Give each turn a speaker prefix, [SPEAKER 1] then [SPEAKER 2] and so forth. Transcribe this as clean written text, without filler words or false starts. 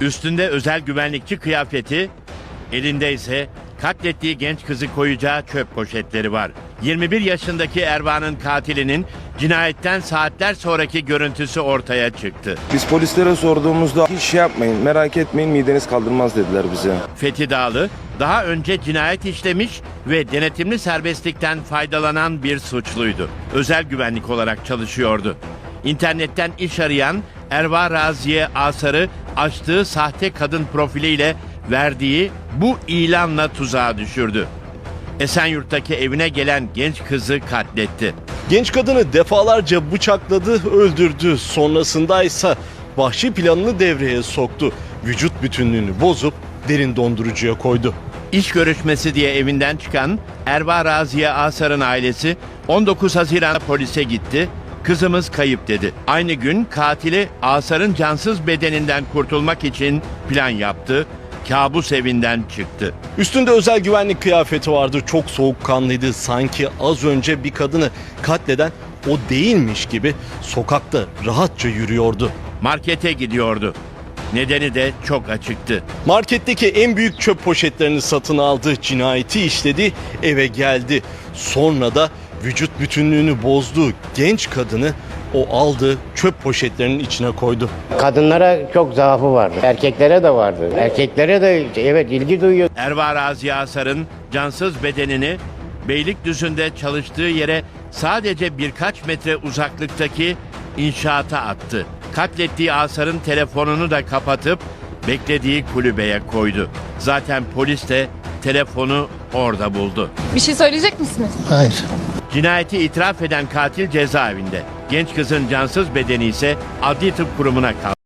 [SPEAKER 1] Üstünde özel güvenlikçi kıyafeti, elinde ise katlettiği genç kızı koyacağı çöp poşetleri var. 21 yaşındaki Erva'nın katilinin cinayetten saatler sonraki görüntüsü ortaya çıktı.
[SPEAKER 2] Biz polislere sorduğumuzda hiç şey yapmayın, merak etmeyin, mideniz kaldırmaz dediler bize.
[SPEAKER 1] Fethi Dağlı daha önce cinayet işlemiş ve denetimli serbestlikten faydalanan bir suçluydu. Özel güvenlik olarak çalışıyordu. İnternetten iş arayan Erva Raziye Asar'ı açtığı sahte kadın profiliyle verdiği bu ilanla tuzağa düşürdü. Esenyurt'taki evine gelen genç kızı katletti.
[SPEAKER 3] Genç kadını defalarca bıçakladı, öldürdü. Sonrasında ise vahşi planını devreye soktu. Vücut bütünlüğünü bozup derin dondurucuya koydu.
[SPEAKER 1] İş görüşmesi diye evinden çıkan Erva Raziye Asar'ın ailesi 19 Haziran'da polise gitti. Kızımız kayıp dedi. Aynı gün katili Asar'ın cansız bedeninden kurtulmak için plan yaptı. Kabus evinden çıktı.
[SPEAKER 3] Üstünde özel güvenlik kıyafeti vardı. Çok soğukkanlıydı. Sanki az önce bir kadını katleden o değilmiş gibi sokakta rahatça yürüyordu.
[SPEAKER 1] Markete gidiyordu. Nedeni de çok açıktı.
[SPEAKER 3] Marketteki en büyük çöp poşetlerini satın aldı. Cinayeti işledi, eve geldi. Sonra da vücut bütünlüğünü bozduğu genç kadını o aldığı çöp poşetlerinin içine koydu.
[SPEAKER 4] Kadınlara çok zaafı vardı. Erkeklere de vardı. Erkeklere de evet ilgi duyuyor.
[SPEAKER 1] Erva Raziye Asar'ın cansız bedenini Beylikdüzü'nde çalıştığı yere sadece birkaç metre uzaklıktaki inşaata attı. Katlettiği Asar'ın telefonunu da kapatıp beklediği kulübeye koydu. Zaten polis de telefonu orada buldu.
[SPEAKER 5] Bir şey söyleyecek misiniz?
[SPEAKER 6] Hayır.
[SPEAKER 1] Cinayeti itiraf eden katil cezaevinde. Genç kızın cansız bedeni ise adli tıp kurumuna kaldı.